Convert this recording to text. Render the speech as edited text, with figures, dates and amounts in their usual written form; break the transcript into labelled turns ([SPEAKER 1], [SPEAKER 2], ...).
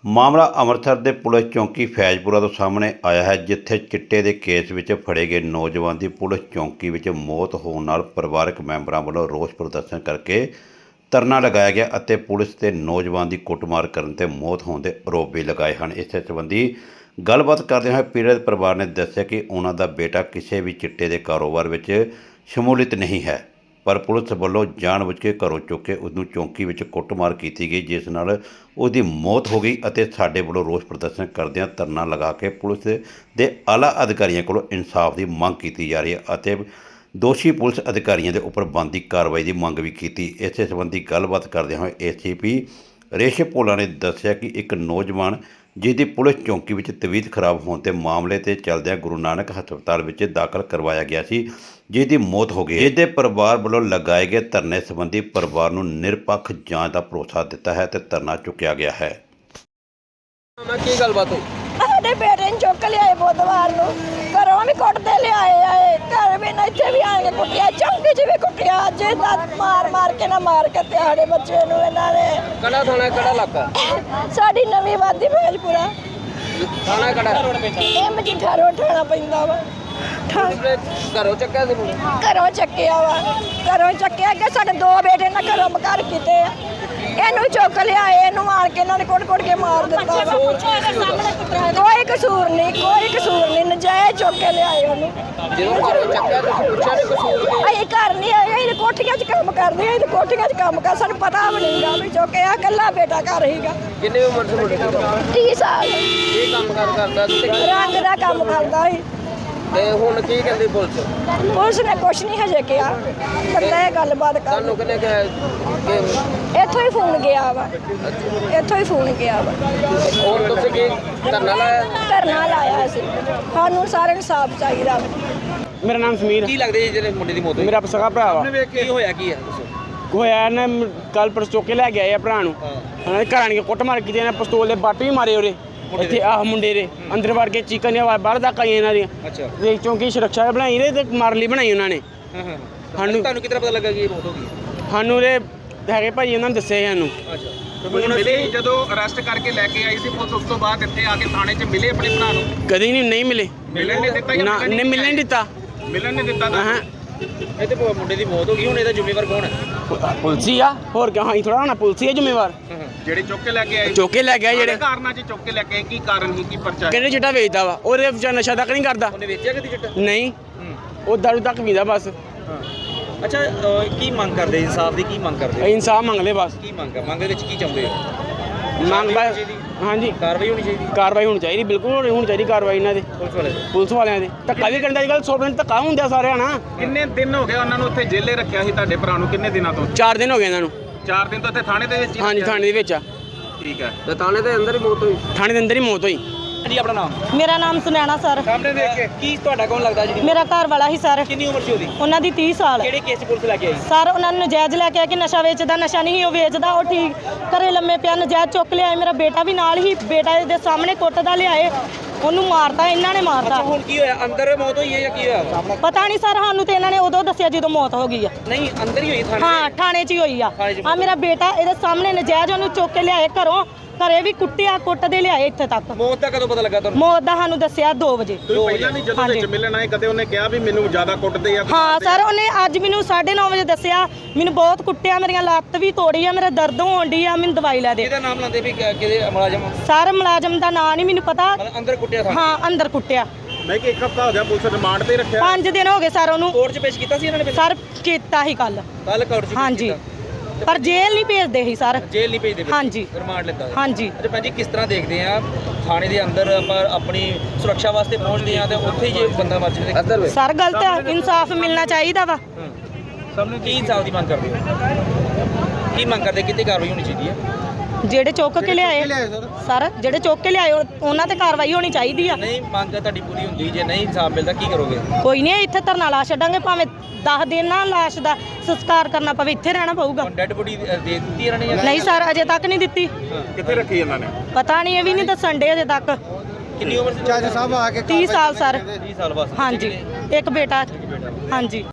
[SPEAKER 1] ਮਾਮਲਾ ਅੰਮ੍ਰਿਤਸਰ ਦੇ ਪੁਲਿਸ ਚੌਂਕੀ ਫੈਜ਼ਪੁਰਾ ਤੋਂ ਸਾਹਮਣੇ ਆਇਆ ਹੈ, ਜਿੱਥੇ ਚਿੱਟੇ ਦੇ ਕੇਸ ਵਿੱਚ ਫੜੇ ਗਏ ਨੌਜਵਾਨ ਦੀ ਪੁਲਿਸ ਚੌਂਕੀ ਵਿੱਚ ਮੌਤ ਹੋਣ ਨਾਲ ਪਰਿਵਾਰਕ ਮੈਂਬਰਾਂ ਵੱਲੋਂ ਰੋਸ ਪ੍ਰਦਰਸ਼ਨ ਕਰਕੇ ਧਰਨਾ ਲਗਾਇਆ ਗਿਆ ਅਤੇ ਪੁਲਿਸ ਤੇ ਨੌਜਵਾਨ ਦੀ ਕੁੱਟਮਾਰ ਕਰਨ ਤੇ ਮੌਤ ਹੋਣ ਦੇ ਆਰੋਪ ਵੀ ਲਗਾਏ ਹਨ। ਇਸ ਸੰਬੰਧੀ ਗੱਲਬਾਤ ਕਰਦੇ ਹੋਏ ਪੀੜਤ ਪਰਿਵਾਰ ਨੇ ਦੱਸਿਆ ਕਿ ਉਹਨਾਂ ਦਾ ਬੇਟਾ ਕਿਸੇ ਵੀ ਚਿੱਟੇ ਦੇ ਕਾਰੋਬਾਰ ਵਿੱਚ ਸ਼ਮੂਲੀਅਤ ਨਹੀਂ ਹੈ, ਪਰ ਪੁਲਿਸ ਵੱਲੋਂ ਜਾਣਬੁੱਝ ਕੇ ਘਰੋਂ ਚੁੱਕ ਕੇ ਉਸ ਨੂੰ ਚੌਂਕੀ ਵਿੱਚ ਕੁੱਟਮਾਰ ਕੀਤੀ ਗਈ, ਜਿਸ ਨਾਲ ਉਹਦੀ ਮੌਤ ਹੋ ਗਈ ਅਤੇ ਸਾਡੇ ਵੱਲੋਂ ਰੋਸ ਪ੍ਰਦਰਸ਼ਨ ਕਰਦਿਆਂ ਧਰਨਾ ਲਗਾ ਕੇ ਪੁਲਿਸ ਦੇ ਆਲਾ ਅਧਿਕਾਰੀਆਂ ਕੋਲੋਂ ਇਨਸਾਫ ਦੀ ਮੰਗ ਕੀਤੀ ਜਾ ਰਹੀ ਹੈ ਅਤੇ ਦੋਸ਼ੀ ਪੁਲਿਸ ਅਧਿਕਾਰੀਆਂ ਦੇ ਉੱਪਰ ਬਣਦੀ ਕਾਰਵਾਈ ਦੀ ਮੰਗ ਵੀ ਕੀਤੀ। ਇਸੇ ਸੰਬੰਧੀ ਗੱਲਬਾਤ ਕਰਦਿਆਂ ਹੋਏ ACP ਰੇਸ਼ਮ ਭੋਲਾ ਨੇ ਦੱਸਿਆ ਕਿ ਇੱਕ ਨੌਜਵਾਨ ਜਿਸ ਦੀ ਪੁਲਿਸ ਚੌਂਕੀ ਵਿੱਚ ਤਬੀਅਤ ਖਰਾਬ ਹੋਣ ਤੇ ਮਾਮਲੇ ਤੇ ਚੱਲਦਿਆਂ ਗੁਰੂ ਨਾਨਕ ਹਸਪਤਾਲ ਵਿੱਚ ਦਾਖਲ ਕਰਵਾਇਆ ਗਿਆ ਸੀ, ਜਿਸ ਦੀ ਮੌਤ ਹੋ ਗਈ। ਜਿਸ ਦੇ ਪਰਿਵਾਰ ਵੱਲੋਂ ਲਗਾਏ ਗਏ ਧਰਨੇ ਸੰਬੰਧੀ ਪਰਿਵਾਰ ਨੂੰ ਨਿਰਪੱਖ ਜਾਂਚ ਦਾ ਭਰੋਸਾ ਦਿੱਤਾ ਹੈ ਤੇ ਧਰਨਾ ਚੁੱਕਿਆ ਗਿਆ ਹੈ।
[SPEAKER 2] ਕੀ ਗੱਲਬਾਤ ਹੋਈ?
[SPEAKER 3] ਸਾਡੇ ਬੇਟੇ ਨੂੰ ਚੁੱਕ ਲਿਆਏ ਬੁੱਧਵਾਰ ਨੂੰ, ਘਰੋਂ ਵੀ ਕੁੱਟਦੇ ਲਿਆਏ ਘਰ ਵੀ ਨਾ ਇੱਥੇ ਵੀ ਆ ਕੇ ਕੁੱਟਿਆ, ਚੌਂਕੀ 'ਚ ਵੀ ਕੁੱਟਿਆ। ਅੱਜ ਮਾਰ ਕੇ ਨਾ ਮਾਰ ਕੇ ਤੇ ਸਾਡੇ ਬੱਚੇ ਨੂੰ ਇਹਨਾਂ ਨੇ।
[SPEAKER 2] ਕਿਹੜਾ ਥਾਣਾ, ਕਿਹੜਾ ਇਲਾਕਾ?
[SPEAKER 3] ਸਾਡੀ ਨਵੀਂ ਵਾਦੀ ਫੈਜ਼ਪੁਰਾ
[SPEAKER 2] ਥਾਣਾ ਕਿਹੜਾ?
[SPEAKER 3] ਇਹ ਮਜੀਠਾ ਰੋਡ ਠਾਣਾ ਪੈਂਦਾ ਵਾ।
[SPEAKER 2] ਘਰੋਂ ਚੱਕਿਆ ਸੀ ਮੁੰਡੇ?
[SPEAKER 3] ਘਰੋਂ ਚੱਕਿਆ ਕਿ ਸਾਡੇ ਦੋ ਬੇਟੇ ਨਾ ਘਰੋਂ ਮਕਾਰ ਕੀਤੇ ਆ। ਇਹਨੂੰ ਚੁੱਕ ਲਿਆਏ, ਇਹਨੂੰ ਮਾਰ ਕੇ ਇਹਨਾਂ ਨੇ ਕੁੱਟ ਕੇ ਮਾਰ ਦਿੱਤਾ ਵਾ। ਕੋਈ ਕਸੂਰ ਨਹੀਂ, ਨਜਾਇਜ਼ ਚੁੱਕ ਕੇ ਲਿਆਏ ਉਹਨੂੰ।
[SPEAKER 2] ਜਦੋਂ ਘਰੋਂ ਚੱਕਿਆ ਤੁਸੀਂ ਪੁੱਛਿਆ ਨਹੀਂ ਕਸੂਰ ਕੀ?
[SPEAKER 3] ਅਸੀਂ ਘਰ ਨਹੀਂ ਆਏ, ਇਹ ਕੋਠੀਆਂ 'ਚ ਕੰਮ ਕਰਦੇ ਆ, ਇਹ ਕੋਠੀਆਂ 'ਚ ਕੰਮ ਕਰ, ਸਾਨੂੰ ਪਤਾ ਵੀ ਨਹੀਂਗਾ ਵੀ ਚੁੱਕਿਆ। ਇਕੱਲਾ ਬੇਟਾ ਘਰ ਹੀਗਾ।
[SPEAKER 2] ਕਿੰਨੀ ਉਮਰ ਸੀ ਮੁੰਡੇ ਦੀ?
[SPEAKER 3] 30 ਸਾਲ।
[SPEAKER 2] ਕੀ ਕੰਮ ਕਰਦਾ ਸੀ?
[SPEAKER 3] ਰੰਗ ਦਾ ਕੰਮ ਕਰਦਾ ਸੀ।
[SPEAKER 2] ਤੇ ਹੁਣ ਕੀ ਕਹਿੰਦੀ ਪੁਲਿਸ?
[SPEAKER 3] ਪੁਲਿਸ ਨੇ ਕੁਛ ਨਹੀਂ ਹਜੇ ਕਿਹਾ, ਬੰਦਾ ਇਹ ਗੱਲਬਾਤ ਕਰ।
[SPEAKER 2] ਤੁਹਾਨੂੰ ਕਿਹਨੇ ਕਿਹਾ ਕਿ
[SPEAKER 3] ਇੱਥੋਂ ਹੀ ਫੋਨ ਗਿਆ ਵਾ।
[SPEAKER 2] ਹੁਣ ਤੁਸੀਂ ਕੀ ਧਰਨਾ ਲਾਇਆ?
[SPEAKER 3] ਧਰਨਾ ਲਾਇਆ ਸੀ। ਸਾਨੂੰ ਸਾਰਿਆਂ ਨੂੰ ਸਾਫ ਚਾਹੀਦਾ ਵਾ।
[SPEAKER 4] ਮੇਰਾ ਨਾਮ ਸਮੀਰ।
[SPEAKER 2] ਕੀ ਲੱਗਦਾ ਜੀ ਜਿਹੜੇ ਮੁੰਡੇ ਦੀ ਮੌਤ ਹੋਈ?
[SPEAKER 4] ਮੇਰਾ ਸਗਾ ਭਰਾ ਵਾ।
[SPEAKER 2] ਕੀ ਹੋਇਆ ਕੀ ਹੈ ਦੱਸੋ?
[SPEAKER 4] ਹੋਇਆ ਨਾ ਕੱਲ ਪਰਸ ਚੁੱਕ ਕੇ ਲੈ ਕੇ ਆਏ ਆ ਭਰਾ ਨੂੰ। ਉਹਨਾਂ ਦੇ ਘਰਾਂ ਨੇ ਕੁੱਟ ਮਾਰ ਕੀਤੀ, ਇਹਨਾਂ ਪਿਸਤੌਲ ਦੇ ਬੱਟ ਵੀ ਮਾਰੇ ਉਹਦੇ ਇੱਥੇ ਆਹ ਮੁੰਡੇ ਦੇ ਅੰਦਰ ਵੜ ਕੇ ਚੀਕਾਂ ਦੀਆਂ ਬਾਹਰ ਤੱਕ ਆਈਆਂ ਇਹਨਾਂ ਦੀਆਂ।
[SPEAKER 2] ਅੱਛਾ।
[SPEAKER 4] ਤੇ ਚੌਂਕੀ ਸੁਰੱਖਿਆ ਬਣਾਈ ਰਹੇ ਤੇ ਮਾਰ ਲਈ ਬਣਾਈ ਉਹਨਾਂ ਨੇ।
[SPEAKER 2] ਤੁਹਾਨੂੰ ਕਿਤਨਾ ਪਤਾ ਲੱਗਾ ਕਿ ਇਹ ਮੌਤ ਹੋ ਗਈ?
[SPEAKER 4] ਸਾਨੂੰ ਦੇ ਹੈਗੇ ਭਾਈ ਉਹਨਾਂ ਨੇ ਦੱਸਿਆ ਸਾਨੂੰ।
[SPEAKER 2] ਅੱਛਾ।
[SPEAKER 5] ਹੁਣ ਮਿਲੇ ਜਦੋਂ ਅਰੈਸਟ ਕਰਕੇ ਲੈ ਕੇ ਆਈ ਸੀ ਪੁਲਿਸ, ਉਸ ਤੋਂ ਬਾਅਦ ਇੱਥੇ ਆ ਕੇ ਥਾਣੇ 'ਚ ਮਿਲੇ ਆਪਣੇ ਭਰਾ ਨੂੰ?
[SPEAKER 4] ਕਦੇ ਨਹੀਂ ਮਿਲੇ।
[SPEAKER 5] ਮਿਲਣ ਨਹੀਂ ਦਿੱਤਾ ਜਾਂ
[SPEAKER 4] ਨਾ ਨਹੀਂ ਮਿਲਣ ਨਹੀਂ ਦਿੱਤਾ।
[SPEAKER 5] ਮਿਲਣ ਨਹੀਂ ਦਿੱਤਾ ਤਾਂ
[SPEAKER 4] ਹਾਂ
[SPEAKER 2] ਇਹ ਤੇ ਮੁੰਡੇ ਦੀ ਮੌਤ ਹੋ ਗਈ, ਹੁਣ ਇਹਦਾ ਜ਼ਿੰਮੇਵਾਰ ਕੌਣ ਹੈ?
[SPEAKER 4] ਪੁਲਸੀ ਆ, ਹੋਰ ਕਿਉਂ? ਹਾਂ ਥੋੜਾ ਹੋਣਾ ਪੁਲਸੀ ਆ ਜ਼ਿੰਮੇਵਾਰ।
[SPEAKER 5] ਜਿਹੜੇ ਚੁੱਕ ਕੇ ਲੈ ਕੇ ਆਏ?
[SPEAKER 4] ਚੁੱਕ ਕੇ ਲੈ ਗਿਆ ਜਿਹੜੇ
[SPEAKER 5] ਕਾਰਨਾਂ 'ਚ ਚੁੱਕ ਕੇ ਲੈ ਕੇ ਆਏ, ਕੀ ਕਾਰਨ ਸੀ, ਕੀ ਪਰਚਾ ਹੈ?
[SPEAKER 4] ਕਹਿੰਦੇ ਚਿੱਟਾ ਵੇਚਦਾ ਵਾ, ਉਹਦੇ ਵਿੱਚ ਨਸ਼ਾ ਤੱਕ ਨਹੀਂ ਕਰਦਾ।
[SPEAKER 2] ਉਹਨੇ ਵੇਚਿਆ ਕਦੀ ਚਿੱਟਾ?
[SPEAKER 4] ਨਹੀਂ, ਉਹ ਦਾਰੂ ਤੱਕ ਪੀਂਦਾ ਬਸ।
[SPEAKER 2] ਅੱਛਾ, ਕੀ ਮੰਗ ਕਰਦੇ? ਇਨਸਾਫ ਦੀ ਕੀ ਮੰਗ ਕਰਦੇ?
[SPEAKER 4] ਇਨਸਾਫ ਮੰਗਦੇ ਬਸ।
[SPEAKER 2] ਕੀ ਮੰਗ ਹੈ? ਮੰਗ ਦੇ ਵਿੱਚ ਕੀ ਚਾਹੁੰਦੇ ਹੋ?
[SPEAKER 4] ਮੰਗ ਬਸ ਹਾਂਜੀ
[SPEAKER 2] ਕਾਰਵਾਈ ਹੋਣੀ ਚਾਹੀਦੀ?
[SPEAKER 4] ਕਾਰਵਾਈ ਹੋਣੀ ਚਾਹੀਦੀ, ਬਿਲਕੁਲ ਹੋਣੀ ਚਾਹੀਦੀ ਕਾਰਵਾਈ ਇਹਨਾਂ ਦੇ ਪੁਲਿਸ ਵਾਲਿਆਂ ਦੇ। ਧੱਕਾ ਵੀ ਕਰਨ ਦਾ ਅੱਜ-ਕੱਲ੍ਹ 100% ਧੱਕਾ ਹੁੰਦਾ ਸਾਰਿਆਂ ਨਾਲ।
[SPEAKER 5] ਕਿੰਨੇ ਦਿਨ ਹੋ ਗਏ ਉਹਨਾਂ ਨੂੰ ਉੱਥੇ ਜੇਲੇ ਰੱਖਿਆ ਸੀ ਤੁਹਾਡੇ ਭਰਾ ਨੂੰ? ਕਿੰਨੇ ਦਿਨਾਂ ਤੋਂ?
[SPEAKER 4] 4 ਦਿਨ ਹੋ ਗਏ ਇਹਨਾਂ ਨੂੰ।
[SPEAKER 5] 4 ਦਿਨ ਤੋਂ ਇੱਥੇ ਥਾਣੇ ਦੇ ਵਿੱਚ ਹੀ
[SPEAKER 4] ਹਾਂਜੀ
[SPEAKER 5] ਰੱਖਿਆ?
[SPEAKER 4] ਥਾਣੇ ਦੇ ਵਿੱਚ ਆ।
[SPEAKER 5] ਠੀਕ ਹੈ।
[SPEAKER 2] ਤੇ ਥਾਣੇ ਦੇ ਅੰਦਰ ਹੀ ਮੌਤ ਹੋਈ?
[SPEAKER 4] ਥਾਣੇ ਦੇ ਅੰਦਰ ਹੀ ਮੌਤ ਹੋਈ।
[SPEAKER 2] ਜੀ ਆਪਣਾ ਨਾਮ?
[SPEAKER 3] ਮੇਰਾ ਨਾਮ ਸੁਨੈਣਾ ਸਰ।
[SPEAKER 2] ਸਾਹਮਣੇ ਦੇਖ ਕੇ ਕੀ ਤੁਹਾਡਾ ਕੌਣ ਲੱਗਦਾ ਜੀ?
[SPEAKER 3] ਮੇਰਾ ਘਰ ਵਾਲਾ ਹੀ ਸਰ।
[SPEAKER 2] ਕਿੰਨੀ ਉਮਰ ਸੀ ਉਹਦੀ?
[SPEAKER 3] ਉਹਨਾਂ ਦੀ 30 ਸਾਲ।
[SPEAKER 2] ਕਿਹੜੇ ਕੇਸ 'ਚ ਪੁਲਿਸ ਲੈ ਕੇ ਆਈ?
[SPEAKER 3] ਸਰ ਉਹਨਾਂ ਨੂੰ ਨਜਾਇਜ਼ ਲੈ ਕੇ ਆ ਕਿ ਨਸ਼ਾ ਵੇਚਦਾ, ਨਸ਼ਾ ਨਹੀਂ ਉਹ ਵੇਚਦਾ, ਉਹ ਠੀਕ ਘਰੇ ਲੰਮੇ ਪਿਆ, ਨਜਾਇਜ਼ ਚੁੱਕ ਲਿਆਏ। ਮੇਰਾ ਬੇਟਾ ਵੀ ਨਾਲ ਹੀ, ਬੇਟਾ ਦੇ ਸਾਹਮਣੇ ਕੁੱਟਦਾ ਲਿਆਏ, ਉਹਨੂੰ ਮਾਰਤਾ, ਇਹਨਾਂ ਨੇ ਮਾਰਤਾ।
[SPEAKER 2] ਹੁਣ ਕੀ ਹੋਇਆ? ਅੰਦਰ ਮੌਤ ਹੋਈ ਹੈ ਜਾਂ ਕੀ ਹੋਇਆ?
[SPEAKER 3] ਪਤਾ ਨਹੀਂ ਸਰ, ਸਾਨੂੰ ਤੇ ਇਹਨਾਂ ਨੇ ਉਦੋਂ ਦੱਸਿਆ ਜਦੋਂ ਮੌਤ ਹੋ ਗਈ ਆ।
[SPEAKER 2] ਨਹੀਂ, ਅੰਦਰ ਹੀ ਹੋਈ ਥਾਣੇ?
[SPEAKER 3] ਹਾਂ ਥਾਣੇ 'ਚ ਹੀ ਹੋਈ ਆ।
[SPEAKER 2] ਥਾਣੇ 'ਚ
[SPEAKER 3] ਆ ਮੇਰਾ ਬੇਟਾ ਇਹਦੇ ਸਾਹਮਣੇ ਨਜਾਇਜ਼ ਉਹਨੂੰ ਚੁੱਕ ਕੇ ਲਿਆਏ ਘਰੋਂ, ਘਰੇ ਵੀ ਕੁੱਟਿਆ, ਕੁੱਟਦੇ ਲਿਆਏ ਇੱਥੇ ਤੱਕ।
[SPEAKER 2] ਮੌਤ ਦਾ ਕਦੋਂ ਪਤਾ ਲੱਗਾ ਤੁਹਾਨੂੰ?
[SPEAKER 3] ਮੌਤ ਦਾ ਸਾਨੂੰ ਦੱਸਿਆ 2 ਵਜੇ।
[SPEAKER 5] ਤੁਸੀਂ ਪਹਿਲਾਂ ਨਹੀਂ ਜਦੋਂ ਵਿੱਚ ਮਿਲਣ ਆਏ ਕਦੇ ਉਹਨੇ ਕਿਹਾ ਵੀ ਮੈਨੂੰ ਜ਼ਿਆਦਾ ਕੁੱਟਦੇ ਆ?
[SPEAKER 3] ਹਾਂ ਸਰ, ਉਹਨੇ ਅੱਜ ਮੈਨੂੰ 9:30 ਵਜੇ ਦੱਸਿਆ, ਮੈਨੂੰ ਬਹੁਤ ਕੁੱਟਿਆ, ਮੇਰੀਆਂ ਲੱਤ ਵੀ ਤੋੜੀ ਆ, ਮੇਰਾ ਦਰਦ ਹੋਣ ਡਈ ਆ, ਮੈਨੂੰ ਦਵਾਈ ਲੈ ਦੇ।
[SPEAKER 2] ਇਹਦਾ ਨਾਮ ਲਾਉਂਦੇ ਵੀ ਕਿਹਦੇ ਮੁਲਾਜ਼ਮ?
[SPEAKER 3] ਸਰ ਮੁਲਾਜ਼ਮ ਦਾ ਨਾਂ ਨਹੀਂ ਮੈਨੂੰ ਪਤਾ।
[SPEAKER 2] ਅੰਦਰ ਕੁੱਟਿਆ ਥਾਣੇ?
[SPEAKER 3] ਹਾਂ ਅੰਦਰ ਕੁੱਟਿਆ।
[SPEAKER 5] ਮੈਂ ਕਿ 1 ਹਫ਼ਤਾ ਹੋ ਗਿਆ ਪੁਲਿਸ ਰਿਮਾਂਡ ਤੇ ਰੱਖਿਆ?
[SPEAKER 3] 5 ਦਿਨ ਹੋ ਗਏ ਸਰ ਉਹਨੂੰ।
[SPEAKER 2] ਕੋਰਟ 'ਚ ਪੇਸ਼ ਕੀਤਾ ਸੀ ਇਹਨਾਂ ਨੇ?
[SPEAKER 3] ਸਰ ਕੀਤਾ ਹੀ ਕੱਲ
[SPEAKER 2] ਕੋਰਟ 'ਚ?
[SPEAKER 3] ਹਾਂਜੀ, ਪਰ ਜੇਲ੍ਹ ਨਹੀਂ ਭੇਜਦੇ ਸੀ ਸਰ।
[SPEAKER 2] ਜੇਲ੍ਹ ਨਹੀਂ ਭੇਜਦੇ?
[SPEAKER 3] ਹਾਂਜੀ।
[SPEAKER 2] ਰਿਮਾਂਡ ਲਿੱਤਾ?
[SPEAKER 3] ਹਾਂਜੀ।
[SPEAKER 2] ਅੱਛਾ ਭੈਣ ਜੀ, ਕਿਸ ਤਰ੍ਹਾਂ ਦੇਖਦੇ ਆ ਥਾਣੇ ਦੇ ਅੰਦਰ ਆਪਾਂ ਆਪਣੀ ਸੁਰੱਖਿਆ ਵਾਸਤੇ ਪਹੁੰਚਦੇ ਆ ਤੇ ਉੱਥੇ ਹੀ ਜੇ ਬੰਦਾ ਮਰ ਜਾਵੇ?
[SPEAKER 3] ਸਰ ਗਲਤ ਹੈ, ਇਨਸਾਫ ਮਿਲਣਾ ਚਾਹੀਦਾ ਵਾ।
[SPEAKER 2] ਕੀ ਇਨਸਾਫ ਦੀ ਮੰਗ ਕਰਦੇ ਹੋ? ਕੀ ਮੰਗ ਕਰਦੇ? ਕਿਤੇ ਕਾਰਵਾਈ ਹੋਣੀ ਚਾਹੀਦੀ ਹੈ?
[SPEAKER 3] ਜਿਹੜੇ ਚੁੱਕ ਕੇ ਲਿਆਏ ਸਰ, ਜਿਹੜੇ ਚੁੱਕ ਕੇ ਲਿਆਏ ਉਹਨਾਂ ਤੇ ਕਾਰਵਾਈ ਹੋਣੀ ਚਾਹੀਦੀ ਆ।
[SPEAKER 2] ਨਹੀਂ ਮੰਗ ਤੁਹਾਡੀ ਪੂਰੀ ਹੁੰਦੀ, ਜੇ ਨਹੀਂ ਇਨਸਾਫ ਮਿਲਦਾ ਕੀ ਕਰੋਗੇ?
[SPEAKER 3] ਕੋਈ ਨਹੀਂ, ਇੱਥੇ ਧਰਨਾ ਲਾ ਛੱਡਾਂਗੇ, ਭਾਵੇਂ 10 ਦਿਨ ਨਾ ਲਾਸ਼ ਦਾ ਸੰਸਕਾਰ ਕਰਨਾ ਪਵੇ, ਇੱਥੇ ਰਹਿਣਾ ਪਊਗਾ।
[SPEAKER 2] ਡੈਡ ਬੋਡੀ ਦੇ ਦਿੱਤੀ ਇਹਨਾਂ ਨੇ?
[SPEAKER 3] ਨਹੀਂ ਸਰ, ਅਜੇ ਤੱਕ ਨਹੀਂ ਦਿੱਤੀ।
[SPEAKER 5] ਕਿੱਥੇ ਰੱਖੀ ਇਹਨਾਂ ਨੇ?
[SPEAKER 3] ਪਤਾ ਨਹੀਂ, ਇਹ ਵੀ ਨਹੀਂ ਦੱਸਣ ਡੇ ਅਜੇ ਤੱਕ।
[SPEAKER 2] ਕਿੰਨੀ ਉਮਰ ਸੀ?
[SPEAKER 3] 30 ਸਾਲ ਸਰ।
[SPEAKER 2] 30 ਸਾਲ ਬਸ?
[SPEAKER 3] ਹਾਂਜੀ, ਇੱਕ ਬੇਟਾ। ਹਾਂਜੀ।